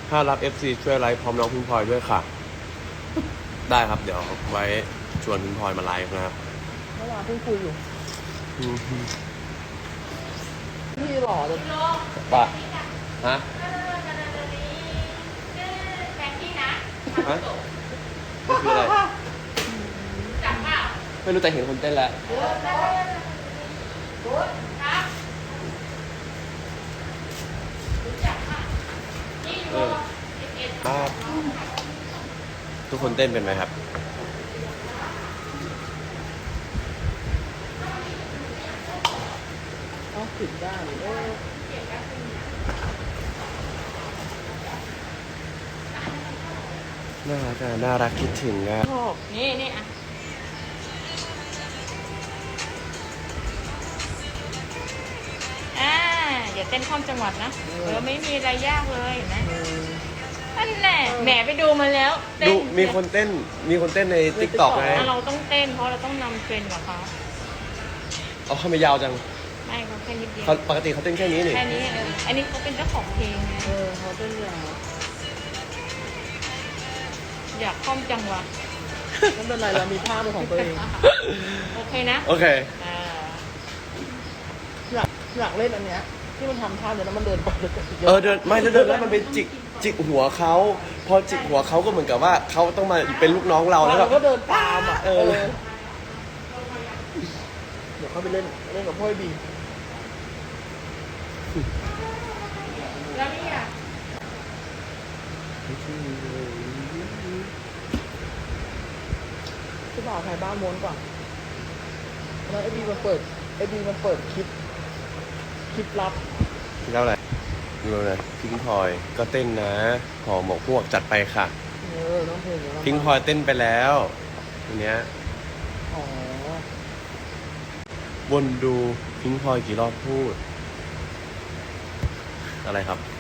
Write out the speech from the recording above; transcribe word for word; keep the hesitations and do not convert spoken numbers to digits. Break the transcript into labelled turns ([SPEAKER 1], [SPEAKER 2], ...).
[SPEAKER 1] ถ้ารับ เอฟ ซี ช่วยไลฟ์พร้อมน้องพิงพลอยด้วยค่ะ ได้ครับ เดี๋ยวไว้ชวนพิงพลอยมาไลฟ์นะครับ
[SPEAKER 2] เมื่อวานเพิ่งคุยอยู่
[SPEAKER 1] อืม
[SPEAKER 2] พี่หล่อเลย
[SPEAKER 1] ปะฮะ
[SPEAKER 3] แบงกี้นะ
[SPEAKER 1] ฮะนี่คืออะไร
[SPEAKER 3] จับเปล่า
[SPEAKER 1] ไม่รู้แต่เห็นคนเต้นแล้ว
[SPEAKER 3] ครับรู้จักค่ะนี่
[SPEAKER 1] เอ
[SPEAKER 3] ดู
[SPEAKER 1] อ
[SPEAKER 3] เอ็ดเอ็ด
[SPEAKER 1] ครับ ทุกคนเต้นเป็นไหมครับ
[SPEAKER 2] ต้องผิดได้เออ
[SPEAKER 1] น่ารักอะน่ารักคิดถึงอะ
[SPEAKER 2] ชอบ
[SPEAKER 3] นี่นี่อ่ะอ่าอย่าเต้นข้ามจังหวัดนะเออไม่มีอะไรยากเลยเห็นไหม
[SPEAKER 2] เออ
[SPEAKER 3] นั่นแหละแหมไปดูมาแล้วเต้
[SPEAKER 1] ดูมีคนเต้น มีคนเต้นในติ๊กต็อกไง
[SPEAKER 3] เราต้องเต้นเพราะเราต้องนำเทรนด์กับเขา
[SPEAKER 1] เอาเข้ามายาวจัง
[SPEAKER 3] ไม่เขาแค่นิดเดียว
[SPEAKER 1] เขาปกติเขาเต้นแค่นี้นี่
[SPEAKER 3] แค่นี้เอออันนี้เขาเป็นเจ้าของเพลงไง
[SPEAKER 2] เออเขาเป็นยาว
[SPEAKER 3] อยากข้ามจังหวัด
[SPEAKER 2] ไม่เป็นไรเรามีภาพเป็นของตัวเอง
[SPEAKER 3] โอเคนะ
[SPEAKER 1] โอเค
[SPEAKER 3] อ่า
[SPEAKER 2] อยากอยากเล่นอันเนี้ยที่มันทำท่าเดี๋ยวแล้วมันเดินไปเดินไป
[SPEAKER 1] เออเดินไม่แล้วเดินแล้วมันไปจิกจิกหัวเขาพอจิกหัวเขาก็เหมือนกับว่าเขาต้องมาเป็นลูกน้องเราแล้ว
[SPEAKER 2] เรา
[SPEAKER 1] แบบ
[SPEAKER 2] ก็เดินตามอ่ะ
[SPEAKER 1] เออ
[SPEAKER 2] เดี๋ยวเขาไปเล่นเล่นกับพ่อไอ้บี
[SPEAKER 3] แล้วนี่อ่ะ
[SPEAKER 2] ที่บ่าวไทยบ้านม้วนก่อนแล้วไอ้บีมันเปิดไอ้บีมันเปิดคลิปคลิปลับ
[SPEAKER 1] พี่เล่าอะไรดูเลยพิงพลอยก็เต้นนะหอหมกพวกจัดไปค่ะ
[SPEAKER 2] เออน้องเพลงเดี๋ยวเรา
[SPEAKER 1] พิงพลอยเต้นไปแล้วอันเนี้ย
[SPEAKER 2] อ๋อ
[SPEAKER 1] วนดูพิงพลอยกี่รอบพูด อะไรครับ